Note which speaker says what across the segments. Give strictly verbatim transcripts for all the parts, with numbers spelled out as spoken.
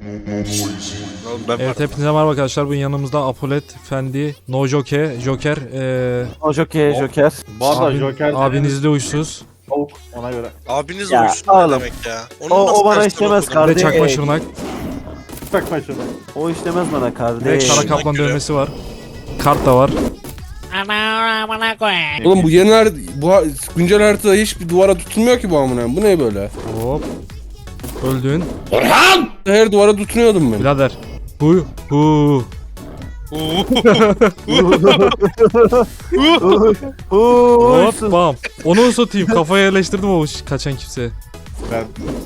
Speaker 1: Evet, hepinize merhaba arkadaşlar. Bugün yanımızda Apolet, Fendi, No Joker, Joker, ee,
Speaker 2: O Joker, Joker.
Speaker 3: Bu arada
Speaker 1: abin,
Speaker 3: Joker
Speaker 1: abiniz de uysuz.
Speaker 3: tavuk ona göre.
Speaker 4: Abiniz
Speaker 2: Ya,
Speaker 4: uyuşsun ne
Speaker 2: oğlum.
Speaker 4: demek ya? Onu
Speaker 2: O-
Speaker 4: nasıl
Speaker 2: o bana
Speaker 4: tersten
Speaker 2: işlemez
Speaker 4: okudun?
Speaker 2: kardeş.
Speaker 1: Ve çakma şırnak,
Speaker 3: Takma şunu.
Speaker 2: O işlemez bana
Speaker 1: ve
Speaker 2: kardeş.
Speaker 1: kara kaplan dövmesi var. Kart da var.
Speaker 5: Oğlum bu yeni harita, bu ha- güncel haritada hiçbir duvara tutunmuyor ki bu amına. Bu ne böyle?
Speaker 1: Hop. Öldün.
Speaker 5: Her duvara tutunuyordum ben.
Speaker 1: Birader. Hu hu. Hop bam. Onu satayım. Kafaya yerleştirdim o kaçan kimse.
Speaker 3: Ben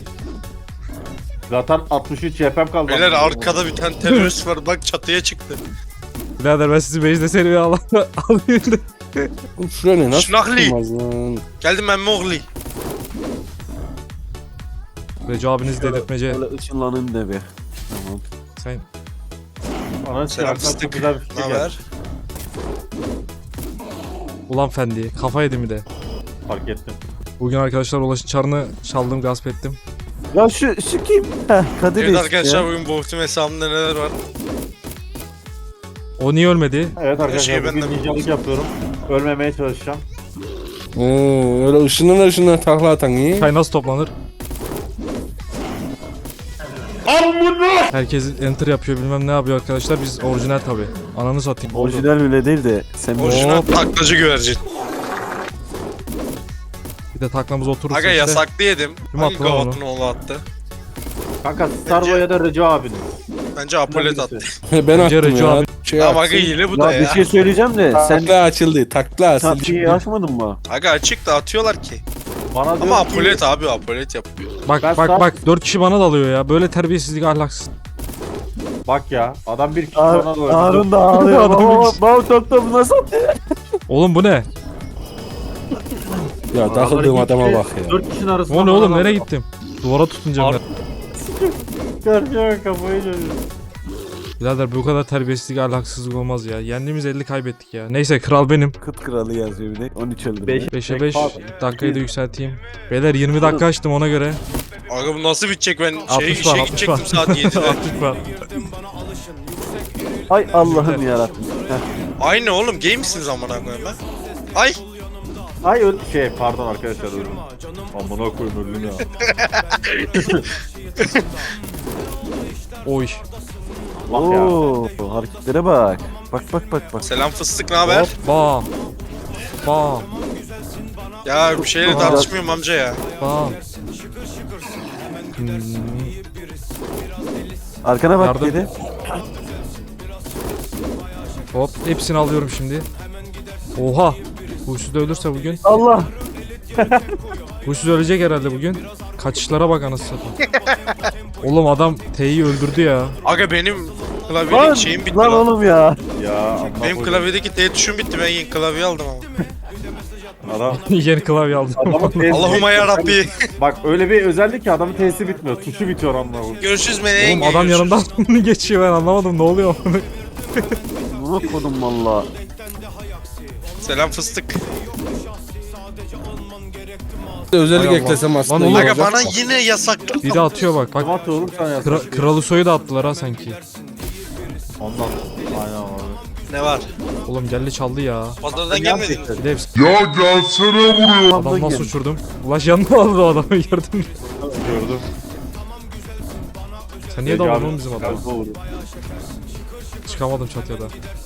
Speaker 3: zaten altmış üç C P'm kaldı.
Speaker 4: Beyler arkada bir tane terörist var bak çatıya çıktı.
Speaker 1: Birader ben sizi base'de seriye al alayım da.
Speaker 5: Oğlum şuraya ne nasıl
Speaker 4: Şınakli.
Speaker 5: tutunmaz lan?
Speaker 4: Geldim ben Mowgli.
Speaker 1: Recep abiniz dedirtmece.
Speaker 2: Böyle ışınlanın da bir. Tamam.
Speaker 1: Sen
Speaker 3: Ana
Speaker 4: Selam
Speaker 3: çıkartan çok
Speaker 4: fıstık.
Speaker 3: güzel bir
Speaker 4: Ne
Speaker 3: şey geldi.
Speaker 4: haber?
Speaker 1: ulan Fendi. Kafa yedi mi de.
Speaker 3: Fark ettim.
Speaker 1: Bugün arkadaşlar Ulaş'ın çarını çaldım, gasp ettim.
Speaker 2: Ya şu, şu kim? Heh, Kadir
Speaker 4: Evet
Speaker 2: işte.
Speaker 4: arkadaşlar bugün Bohtum hesabımda neler var?
Speaker 1: O niye ölmedi?
Speaker 3: Evet arkadaşlar
Speaker 4: şey
Speaker 3: bugün
Speaker 4: benden-
Speaker 3: ninjalık yapıyorum. Ölmemeye çalışacağım.
Speaker 5: Oo, öyle ışından ışından takla atan iyi.
Speaker 1: Çay nasıl toplanır? Herkes enter yapıyor, bilmem ne yapıyor arkadaşlar. Biz orijinal tabi. Ananı satayım.
Speaker 2: Orijinal bile değil de sen
Speaker 4: Orijinal taklacı güvercin.
Speaker 1: Bir de taklamız oturursa
Speaker 4: Aga
Speaker 1: işte.
Speaker 4: yasaklı yedim.
Speaker 1: Kim
Speaker 4: Hangi
Speaker 1: attı lan onu?
Speaker 4: gavatın oğlu attı?
Speaker 3: Kanka Starboy ya da Recep abinin.
Speaker 4: Bence Apolet attı.
Speaker 5: ben
Speaker 1: Bence
Speaker 5: attım
Speaker 1: Recep
Speaker 5: ya.
Speaker 1: abi-
Speaker 5: Şey
Speaker 4: Tamam aga
Speaker 5: atsın.
Speaker 4: hile bu da
Speaker 2: Ya bir
Speaker 4: ya.
Speaker 2: şey söyleyeceğim de sen
Speaker 5: Takla açıldı. Takla açıldı.
Speaker 2: tatlıyı açmadın mı?
Speaker 4: Aga açık da atıyorlar ki.
Speaker 3: Bana diyor
Speaker 4: Ama
Speaker 3: ki-
Speaker 4: Apolet abi Apolet yapıyor.
Speaker 1: Bak
Speaker 3: Ben
Speaker 1: bak
Speaker 3: sağ-
Speaker 1: bak dört kişi bana dalıyor ya. Böyle terbiyesizlik, ahlaksız.
Speaker 3: Bak ya adam bir kişi
Speaker 2: Ar
Speaker 3: bana doğru.
Speaker 2: Harun da ağlıyor.
Speaker 1: Adam
Speaker 2: Baba
Speaker 1: bilmiş.
Speaker 2: baba top top nasıl?
Speaker 1: Oğlum bu ne?
Speaker 5: Ya takıldığım adama bak ya.
Speaker 3: Dört kişinin arasında.
Speaker 1: O ne oğlum, nereye gittim? Duvara tutunca ben.
Speaker 3: Karşıya kafayı dönüyor.
Speaker 1: Birader bu kadar terbiyesizlik, ahlaksızlık olmaz ya. Yendiğimiz elli kaybettik ya. Neyse kral benim.
Speaker 2: Kıt kralı yazıyor bir de. on üç öldü.
Speaker 3: Beş.
Speaker 1: beşe beş. Dakikayı da yükselteyim. Beyler yirmi dakika açtım ona göre.
Speaker 4: Aga bu nasıl bitecek ben şey,
Speaker 1: altmış var,
Speaker 4: işe
Speaker 1: altmış
Speaker 4: gidecektim
Speaker 1: var.
Speaker 4: saat yedide.
Speaker 1: altmış var.
Speaker 2: Ay Allah'ım yarabbim. Heh.
Speaker 4: Aynı oğlum gay misiniz amına koyayım ben? Ay
Speaker 3: Ay öl şey pardon arkadaşlar öldüm. Amına koyayım öldüm ya.
Speaker 1: Oy.
Speaker 3: Bak ya.
Speaker 2: Oo, hareketlere bak. Bak bak bak bak.
Speaker 4: selam fıstık ne haber?
Speaker 1: Bam. Bam.
Speaker 4: Ya bir şeyle
Speaker 2: Aa.
Speaker 4: tartışmıyorum amca ya.
Speaker 1: Bam. Hmm.
Speaker 2: Arkana bak
Speaker 1: Yardım.
Speaker 2: kedi.
Speaker 1: Hop hepsini alıyorum şimdi. Oha. Huysuz da ölürse bugün.
Speaker 2: Allah.
Speaker 1: Huysuz ölecek herhalde bugün. Kaçışlara bak anasını satayım. Oğlum adam T'yi öldürdü ya.
Speaker 4: Aga benim
Speaker 2: Lan,
Speaker 4: klavyelik şeyim bitti
Speaker 2: lan
Speaker 4: lan.
Speaker 2: oğlum ya.
Speaker 3: Ya amına
Speaker 4: Benim
Speaker 3: koyayım.
Speaker 4: klavyedeki T tuşum bitti ben yeni klavye aldım ama.
Speaker 3: Adam
Speaker 1: Yeni klavye aldım.
Speaker 3: adamın testi
Speaker 4: Allahümme yarabbi.
Speaker 3: Bak öyle bir özellik ki adamın testi bitmiyor. Tuşu bitiyor amına koyayım.
Speaker 4: Görüşürüz meleğin.
Speaker 1: Oğlum adam yanımdan geçiyor, ben anlamadım ne oluyor.
Speaker 2: Bunu kodum valla.
Speaker 4: Selam fıstık.
Speaker 5: Özellik
Speaker 1: Hay Allah.
Speaker 5: eklesem
Speaker 1: Lan
Speaker 5: aslında
Speaker 1: oğlum.
Speaker 5: iyi
Speaker 4: Aga
Speaker 5: olacak.
Speaker 4: bana yine yasaklı.
Speaker 1: Bir de atıyor bak. Bak
Speaker 3: Tamam oğlum sen ya.
Speaker 1: Kra- Kralı soyu da attılar ha sanki.
Speaker 3: Ondan. Aynen abi.
Speaker 4: Ne var?
Speaker 1: Oğlum geldi çaldı ya.
Speaker 4: Pazardan gelmedin mi?
Speaker 1: Bir de hepsi. Ya gelsene vuruyor. Adam nasıl uçurdum? Ulaş yanına aldı o adamı, gördün mü?
Speaker 3: Gördüm.
Speaker 1: Sen niye
Speaker 3: Peki
Speaker 1: daldın
Speaker 3: abi,
Speaker 1: oğlum bizim adamı?
Speaker 3: galiba vuruyor.
Speaker 1: Çıkamadım çatıya da.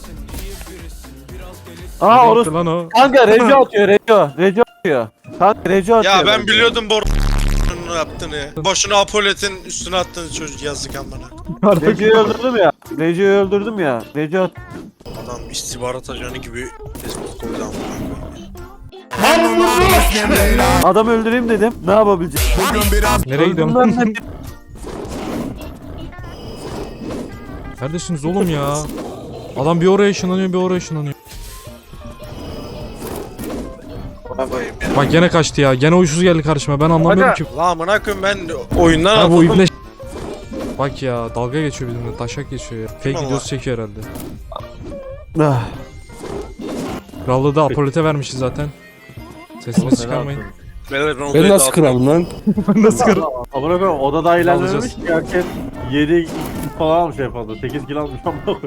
Speaker 2: Aa
Speaker 1: Ne
Speaker 2: orası.
Speaker 1: yaptı lan o?
Speaker 2: Kanka Reco atıyor Reco. Reco atıyor. Kanka Reco atıyor.
Speaker 4: Ya ben
Speaker 2: bence.
Speaker 4: biliyordum bor yaptığını. Boşuna Apolet'in üstüne attığını çocuk yazdık amına.
Speaker 2: Reco'yu öldürdüm ya. Reco'yu öldürdüm ya. Reco at.
Speaker 4: Adam istihbarat ajanı gibi tespit koydu amına.
Speaker 2: Adam öldüreyim dedim. Ne yapabileceğim?
Speaker 1: Nereye gidiyorsun?
Speaker 2: Öldüm lan.
Speaker 1: Neredesiniz oğlum ya? Adam bir oraya ışınlanıyor, bir oraya ışınlanıyor.
Speaker 4: Bana koyayım ya.
Speaker 1: Bak gene kaçtı ya. Gene uysuz geldi karşıma. Ben anlamıyorum
Speaker 4: Aga,
Speaker 1: ki.
Speaker 4: la amına koyayım ben oyundan
Speaker 1: Ha bu
Speaker 4: atıldım.
Speaker 1: ibne. Bak ya dalga geçiyor bizimle. Taşak geçiyor ya. Fake
Speaker 4: Allah.
Speaker 1: videosu çekiyor herhalde.
Speaker 2: Ah.
Speaker 1: Krallığı da Apolet'e vermişiz zaten. Sesini çıkarmayın.
Speaker 4: Beyler, ben
Speaker 5: Ben
Speaker 4: odayı
Speaker 5: nasıl
Speaker 4: dağıttım.
Speaker 5: kralım lan?
Speaker 1: Nasıl kır?
Speaker 3: Amına koyayım odada ilerlememiş ki herkes yedi falan almış en fazla. sekiz kill almış amına koyayım.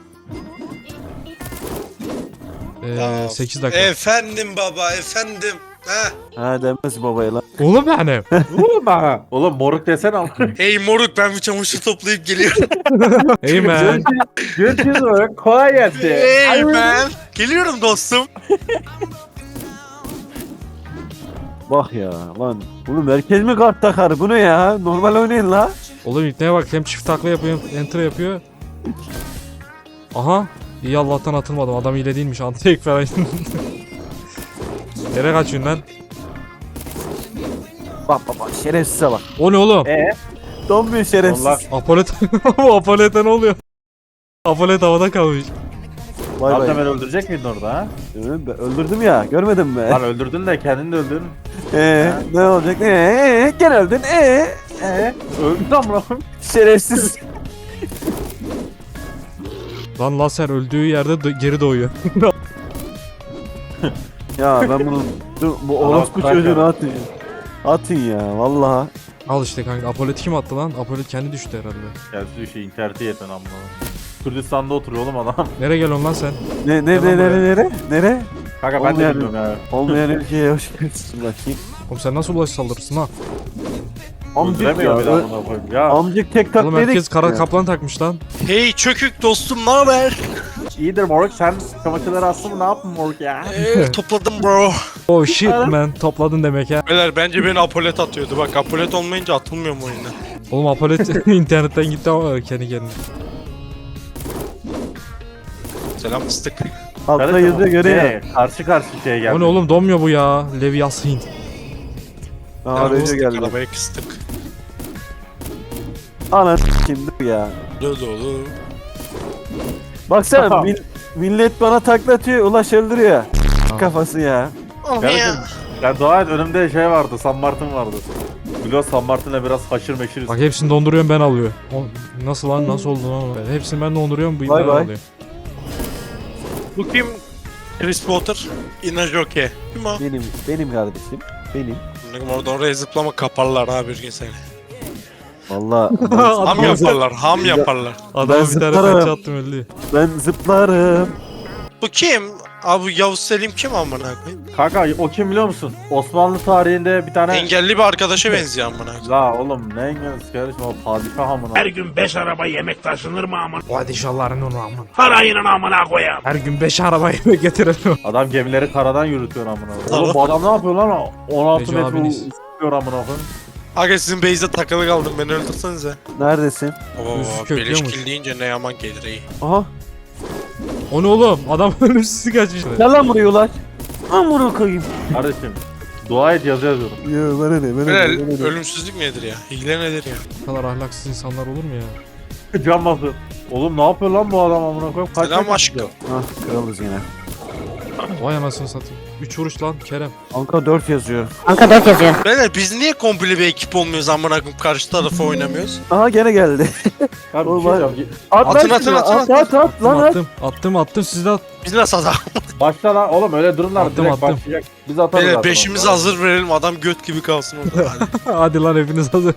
Speaker 1: Ee, sekiz dakika.
Speaker 4: Efendim baba efendim. Ha.
Speaker 2: Ha demez babaya lan.
Speaker 1: Oğlum benim.
Speaker 3: Oğlum ha. Oğlum moruk desene ama.
Speaker 4: Hey moruk ben bir çamaşır toplayıp geliyorum.
Speaker 1: Hey man.
Speaker 3: Görüşürüz moruk. Kolay gelsin.
Speaker 4: Hey man. Geliyorum dostum.
Speaker 2: Bak ya lan. Bunu merkez mi kart takar? Bu ne ya? Normal oynayın la.
Speaker 1: Oğlum ipneye bak hem çift takla yapıyor hem enter yapıyor. Aha. İyi Allah'tan atılmadım. Adam hile değilmiş. Anti falan. Nereye kaçıyorsun lan?
Speaker 2: Bak bak bak şerefsize bak.
Speaker 1: O ne oğlum?
Speaker 3: Eee?
Speaker 2: Donmuyor şerefsiz.
Speaker 3: Allah.
Speaker 1: Apolet. Bu Apolet'e ne oluyor? Apolet havada kalmış.
Speaker 2: Vay
Speaker 3: Abi
Speaker 2: vay.
Speaker 3: beni öldürecek miydin orada ha?
Speaker 2: Evet, ben öldürdüm ya. Görmedin mi?
Speaker 3: Lan öldürdün de kendini de öldürdün.
Speaker 2: Ee, ne olacak? Ee, gene öldün. Ee,
Speaker 3: Eee? Öldün amına koyayım.
Speaker 2: şerefsiz.
Speaker 1: Lan laser öldüğü yerde do- geri doğuyor.
Speaker 2: Ya ben bunu dur, bu orospu
Speaker 3: bırak
Speaker 2: çocuğunu
Speaker 3: ya.
Speaker 2: atın. Atın ya vallahi.
Speaker 1: Al işte kanka. Apolet kim attı lan? Apolet kendi düştü herhalde.
Speaker 3: Gelsin şey interneti yeten amına koyayım. Kürdistan'da oturuyor oğlum adam.
Speaker 1: Nereye geliyorsun lan sen?
Speaker 2: Ne ne
Speaker 1: Tamam
Speaker 2: ne
Speaker 1: be.
Speaker 2: nere nere nere?
Speaker 3: Kanka ben de
Speaker 2: Olmayan-
Speaker 3: bilmiyorum ya.
Speaker 2: Olmayan ülkeye hoş geldin bakayım.
Speaker 1: Oğlum sen nasıl ulaş saldırırsın ha?
Speaker 2: Amcık ya.
Speaker 3: Öldüremiyor bir
Speaker 2: ö-
Speaker 3: daha amına koyayım. Ya
Speaker 2: Amcık tek tak
Speaker 1: Oğlum
Speaker 2: dedik.
Speaker 1: herkes kara
Speaker 2: ya.
Speaker 1: kaplan takmış lan.
Speaker 4: Hey çökük dostum ne haber?
Speaker 3: iyidir moruk sen çamaşırları astın mı ne yaptın moruk ya?
Speaker 4: Ee, topladım bro.
Speaker 1: Oh shit man. Topladın demek ya.
Speaker 4: Beyler bence beni Apolet atıyordu. Bak Apolet olmayınca atılmıyor mu oyunda?
Speaker 1: Oğlum Apolet internetten gitti ama kendi kendine.
Speaker 4: Selam fıstık.
Speaker 2: Altta
Speaker 3: Kardeşim,
Speaker 2: yazıyor görüyor.
Speaker 3: şey, Karşı karşı şeye geldi.
Speaker 1: O ne oğlum donmuyor bu ya. Leviathan.
Speaker 2: Aa
Speaker 4: Selam
Speaker 2: arayıcı
Speaker 4: fıstık,
Speaker 2: geldi.
Speaker 4: arabaya kıstık.
Speaker 2: Ana kimdir ya.
Speaker 4: Dolu dolu.
Speaker 2: Baksana mil- millet bana taklatıyor Ulaş öldürüyor. Kafası ya.
Speaker 4: Oh
Speaker 3: Kardeşim
Speaker 4: ya.
Speaker 3: ben dua et önümde şey vardı San Martin vardı. Biliyorsun San Martin'le biraz haşır meşiriz.
Speaker 1: Bak hepsini donduruyorum ben alıyor. O, nasıl lan nasıl oldu lan? o? Hepsini ben donduruyorum bu
Speaker 2: Vay
Speaker 1: ben
Speaker 2: vay.
Speaker 1: alıyor.
Speaker 4: Bu kim? Chris Potter. Inajoke. Kim o?
Speaker 2: Benim benim kardeşim. Benim.
Speaker 4: Benim orada oraya zıplama kaparlar ha bir gün seni.
Speaker 2: Valla
Speaker 4: Ham
Speaker 1: Adam,
Speaker 4: yaparlar, ham yaparlar.
Speaker 1: adama
Speaker 2: Ben
Speaker 1: bir tane
Speaker 2: zıplarım.
Speaker 1: pençe attım öldü.
Speaker 2: ben zıplarım.
Speaker 4: Bu kim? Abi bu Yavuz Selim kim amına koyayım?
Speaker 3: Kanka o kim biliyor musun? Osmanlı tarihinde bir tane...
Speaker 4: Engelli bir arkadaşa benziyor amına koyayım.
Speaker 3: La oğlum ne engelsiz kardeşim o padişah amına.
Speaker 6: Her gün beş araba yemek taşınır mı aman?
Speaker 1: Padişahların onu aman.
Speaker 6: Parayının amına koyayım.
Speaker 1: Her gün beş araba yemek getirelim.
Speaker 3: Adam gemileri karadan yürütüyor amına.
Speaker 4: Tamam.
Speaker 3: Oğlum bu adam ne yapıyor lan? on altı
Speaker 1: Neco
Speaker 3: metre
Speaker 1: abiniz.
Speaker 3: uçuyor amına koyayım.
Speaker 4: Aga sizin base'de takılı kaldım beni öldürsenize.
Speaker 2: Neredesin?
Speaker 4: Oo,
Speaker 1: Üf,
Speaker 4: beleş
Speaker 1: köklüyormuş.
Speaker 4: kill deyince ne yaman gelir iyi.
Speaker 2: Aha.
Speaker 1: O ne oğlum? Adam ölümsüzlük kaçmış.
Speaker 2: Gel lan buraya Ulaş. Amına koyayım.
Speaker 3: Kardeşim dua et yazı yazıyorum.
Speaker 2: Ya bana ne bana
Speaker 4: Böyle
Speaker 2: ne bana ne.
Speaker 4: ölümsüzlük nedir ya? Hile nedir ya?
Speaker 1: Bu kadar ahlaksız insanlar olur mu ya?
Speaker 3: Can basın. Oğlum ne yapıyor lan bu adam amına koyayım? Kaç
Speaker 4: Selam
Speaker 3: metre
Speaker 4: aşkım.
Speaker 3: gidiyor?
Speaker 2: Ah kralız yine.
Speaker 1: Vay anasını satayım. üç vuruş lan Kerem.
Speaker 2: Anka dört yazıyor.
Speaker 4: Beyler biz niye komple bir ekip olmuyoruz amına koyayım karşı tarafa oynamıyoruz?
Speaker 2: Aha gene geldi.
Speaker 3: Abi bir
Speaker 2: Oğlum,
Speaker 3: şey
Speaker 2: var-
Speaker 3: diyeceğim.
Speaker 2: At
Speaker 4: Atın,
Speaker 2: lan
Speaker 4: atın,
Speaker 2: şunu,
Speaker 4: atın,
Speaker 2: at, at, at, lan at.
Speaker 1: Attım attım attım siz de at.
Speaker 4: Biz nasıl adam?
Speaker 3: Başla lan oğlum öyle durumlar
Speaker 1: Attım,
Speaker 3: direkt
Speaker 1: attım.
Speaker 3: başlayacak. Biz atarız
Speaker 4: Beyler
Speaker 3: zaten
Speaker 4: beşimizi
Speaker 3: onu.
Speaker 4: hazır verelim adam göt gibi kalsın orada. Hadi.
Speaker 1: Hadi lan hepiniz hazır.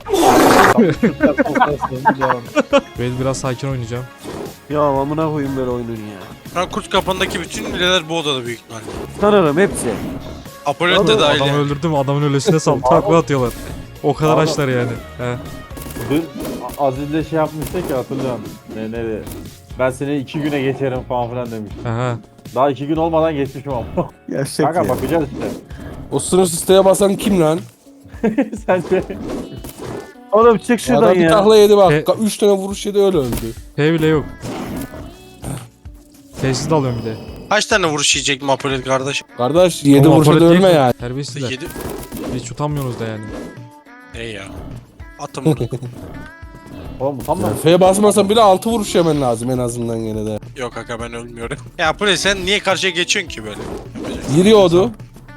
Speaker 3: Devam.
Speaker 1: Ben biraz sakin oynayacağım.
Speaker 2: Ya amına koyayım böyle oyunun ya.
Speaker 4: Ben kurt kapandaki bütün bileler bu odada büyük ihtimalle.
Speaker 2: Tanırım hepsi.
Speaker 4: Apolet de
Speaker 2: Oğlum,
Speaker 4: dahil
Speaker 1: Adamı
Speaker 4: yani.
Speaker 1: öldürdüm adamın öylesine sal takla atıyorlar. O kadar
Speaker 3: Abi-
Speaker 1: açlar yani. He.
Speaker 3: Dün Aziz'le şey yapmıştık ya hatırlıyorum. Ne ne ben seni iki güne geçerim falan filan demiş.
Speaker 1: Aha.
Speaker 3: Daha iki gün olmadan geçmişim ama.
Speaker 2: Gerçek
Speaker 3: Kanka
Speaker 2: ya.
Speaker 3: bakacağız işte.
Speaker 5: O sınır siteye basan kim lan?
Speaker 3: Sence?
Speaker 2: Oğlum çık şuradan
Speaker 5: Adam bir
Speaker 2: ya.
Speaker 5: tahla yedi bak.
Speaker 1: E-
Speaker 5: Üç tane vuruş yedi öyle öldü.
Speaker 1: P bile yok. Tesis de alıyorum bir de.
Speaker 4: Kaç tane vuruş yiyecek mi Apolet kardeş?
Speaker 5: Kardeş yedi
Speaker 1: Oğlum,
Speaker 5: vuruşa da
Speaker 1: Apolet
Speaker 5: ölme
Speaker 1: değil mi?
Speaker 5: yani.
Speaker 1: Terbiyesizler.
Speaker 4: Yedi.
Speaker 1: Hiç utanmıyorsunuz da yani.
Speaker 4: Ne ya? Atın bunu.
Speaker 3: Oğlum tamam.
Speaker 5: F'ye basmasan bile altı vuruş yemen lazım en azından gene de.
Speaker 4: Yok aga ben ölmüyorum. Ya Apolet sen niye karşıya geçiyorsun ki böyle?
Speaker 5: Giriyordu.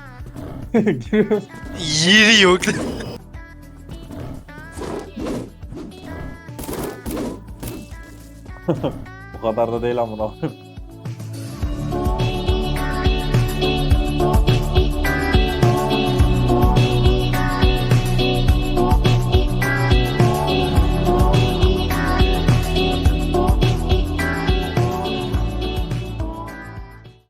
Speaker 4: Yeri yok.
Speaker 3: Bu kadar da değil amına.